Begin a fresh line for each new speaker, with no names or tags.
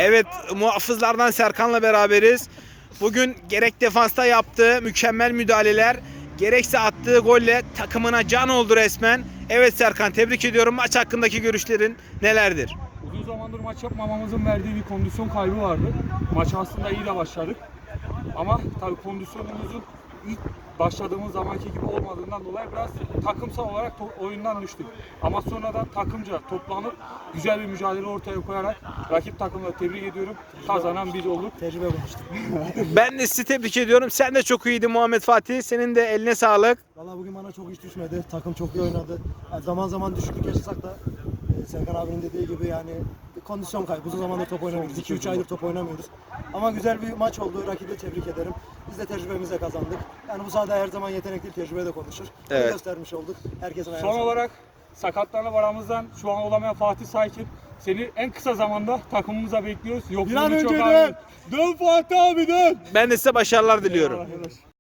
Evet, muhafızlardan Serkan'la beraberiz. Bugün gerek defansta yaptığı mükemmel müdahaleler, gerekse attığı golle takımına can oldu resmen. Evet Serkan, tebrik ediyorum. Maç hakkındaki görüşlerin nelerdir?
Uzun zamandır maç yapmamamızın verdiği bir kondisyon kaybı vardı. Maça aslında iyi de başladık. Ama tabii kondisyonumuzun ilk başladığımız zamanki gibi olmadığından dolayı biraz takımsal olarak oyundan düştük. Ama sonradan takımca toplanıp güzel bir mücadele ortaya koyarak rakip takımla tebrik ediyorum. Kazanan biz olduk.
Tecrübe konuştuk.
Ben de sizi tebrik ediyorum. Sen de çok iyiydin Muhammed Fatih. Senin de eline sağlık.
Valla bugün bana çok iş düşmedi. Takım çok iyi oynadı. Yani zaman zaman düşüklük yaşasak da Serkan abinin dediği gibi yani bir kondisyon kaybı. Uzun zamandır top oynamıyoruz. 2-3 aydır top oynamıyoruz. Ama güzel bir maç oldu. Rakibi tebrik ederim. Biz de tecrübemizle kazandık. Yani bu sahada her zaman yetenek değil, tecrübe de konuşur.
Evet.
Bunu göstermiş olduk. Herkesin ayağına
Son
sağlık.
olarak sakatlarla aramızdan şu an olamayan Fatih Saykın seni en kısa zamanda takımımıza bekliyoruz.
Bir an
Yokluğunu çok
önce
ağır. Dön Fatih abi dön.
Ben de size başarılar diliyorum.
Arkadaş.